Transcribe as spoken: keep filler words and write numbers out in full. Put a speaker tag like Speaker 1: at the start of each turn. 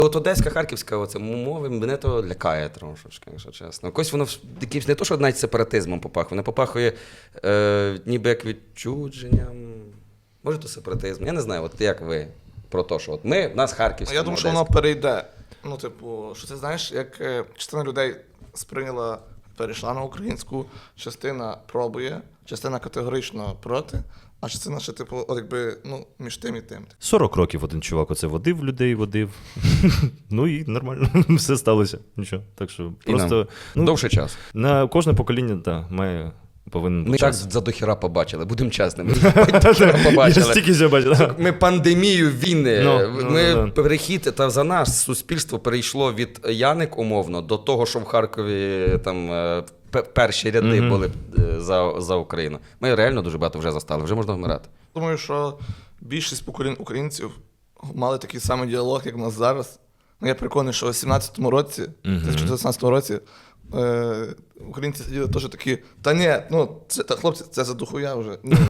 Speaker 1: От одеська, харківська оце мови мене то лякає трошечки, якщо чесно. Якось воно якимсь не то, що навіть сепаратизмом попахує, воно попахує е, ніби як відчудженням. Може, то сепаратизм. Я не знаю, от як ви про те, що от ми, в нас харківська.
Speaker 2: Я думаю, що воно перейде. Ну, типу, що це знаєш, як е, частина людей сприйняла, перейшла на українську, частина пробує, частина категорично проти, а частина ще, типу, от якби, ну, між тим і тим.
Speaker 3: сорок років один чувак оце водив людей, водив. Ну і нормально, все сталося. Нічого. Так що просто ну,
Speaker 1: довший час.
Speaker 3: На кожне покоління, так, має повинен
Speaker 1: Ми так
Speaker 3: час.
Speaker 1: за дохіра побачили, будемо чесними.
Speaker 3: Я стільки вже бачив.
Speaker 1: Ми пандемію війни,
Speaker 3: Ну,
Speaker 1: ми
Speaker 3: ну, ну.
Speaker 1: перехід, та за нас суспільство перейшло від Яник умовно до того, що в Харкові там е, пе- перші ряди
Speaker 3: Мгм.
Speaker 1: були е, за, за Україну. Ми реально дуже багато вже застали, вже можна вмирати.
Speaker 2: Думаю, що більшість поколінь українців мали такий самий діалог, як в нас зараз. Ну, я переконаний, що у сімнадцятому році,
Speaker 3: Мгм.
Speaker 2: тисяча дев'ятсот сімнадцятому році, е, українці сиділи теж такі, та ні, ну, це, та, хлопці, це за дохуя вже. Ну,